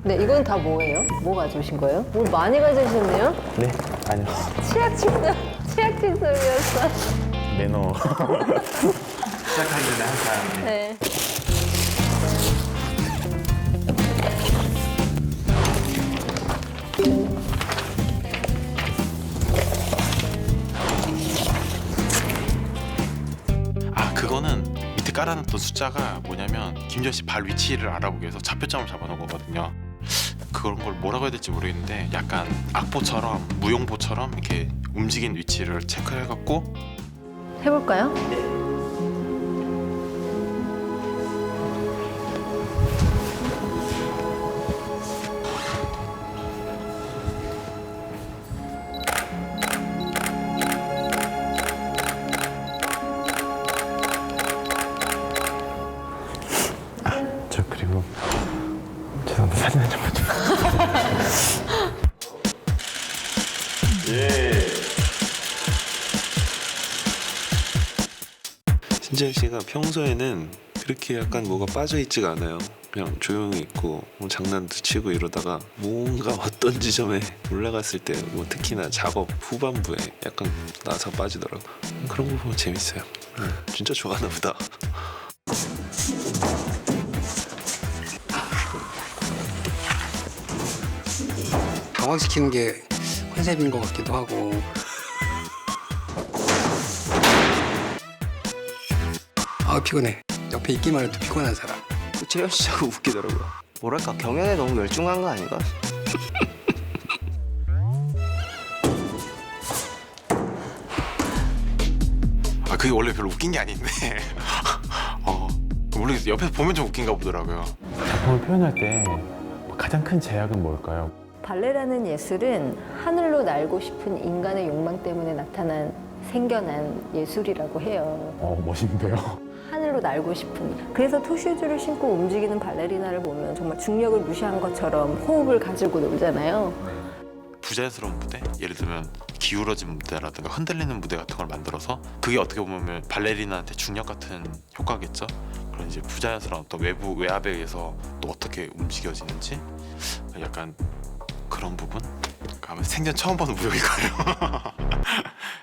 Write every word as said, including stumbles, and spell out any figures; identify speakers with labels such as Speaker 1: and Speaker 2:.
Speaker 1: 네, 이건 다 뭐예요? 뭐 가져오신 거예요? 뭘 많이 가져오셨네요?
Speaker 2: 네, 아니요.
Speaker 1: 치약 칫솔, 치약 칫솔이었어.
Speaker 2: 매너.
Speaker 3: 시작하기 전에 항상
Speaker 1: 네.
Speaker 3: 아 그거는 밑에 깔아놨던 숫자가 뭐냐면 김지현 씨 발 위치를 알아보기 위해서 좌표점을 잡아놓은 거거든요. 그런 걸 뭐라고 해야 될지 모르겠는데 약간 악보처럼 무용보처럼 이렇게 움직인 위치를 체크해갖고
Speaker 1: 해볼까요?
Speaker 2: 저 그리고 죄송한데 사진 한 장만 좀.
Speaker 4: 신지현 씨가 평소에는 그렇게 약간 뭐가 빠져 있지가 않아요. 그냥 조용히 있고 뭐 장난도 치고 이러다가 뭔가 어떤 지점에 올라갔을 때 뭐 특히나 작업 후반부에 약간 나서 빠지더라고. 그런 거 보면 재밌어요. 음, 진짜 좋아하나 보다.
Speaker 5: 당황시키는 게 컨셉인 것 같기도 하고. 아 피곤해. 옆에 있기만 해도 피곤한 사람.
Speaker 6: 재현 씨 자꾸 웃기더라고요. 뭐랄까 경연에 너무 열중한 거 아닌가?
Speaker 3: 아 그게 원래 별로 웃긴 게 아닌데 어 원래 옆에서 보면 좀 웃긴가 보더라고요.
Speaker 2: 작품을 표현할 때 가장 큰 제약은 뭘까요?
Speaker 1: 발레라는 예술은 하늘로 날고 싶은 인간의 욕망 때문에 나타난 생겨난 예술이라고 해요.
Speaker 2: 어, 멋있는데요.
Speaker 1: 하늘로 날고 싶은. 그래서 토슈즈를 신고 움직이는 발레리나를 보면 정말 중력을 무시한 것처럼 호흡을 가지고 놀잖아요.
Speaker 3: 부자연스러운 무대, 예를 들면 기울어진 무대라든가 흔들리는 무대 같은 걸 만들어서 그게 어떻게 보면 발레리나한테 중력 같은 효과겠죠. 그런 이제 부자연스러운 또 외부 외압에 의해서 또 어떻게 움직여지는지 약간 그런 부분. 아마 생전 처음 보는 무용일 거예요.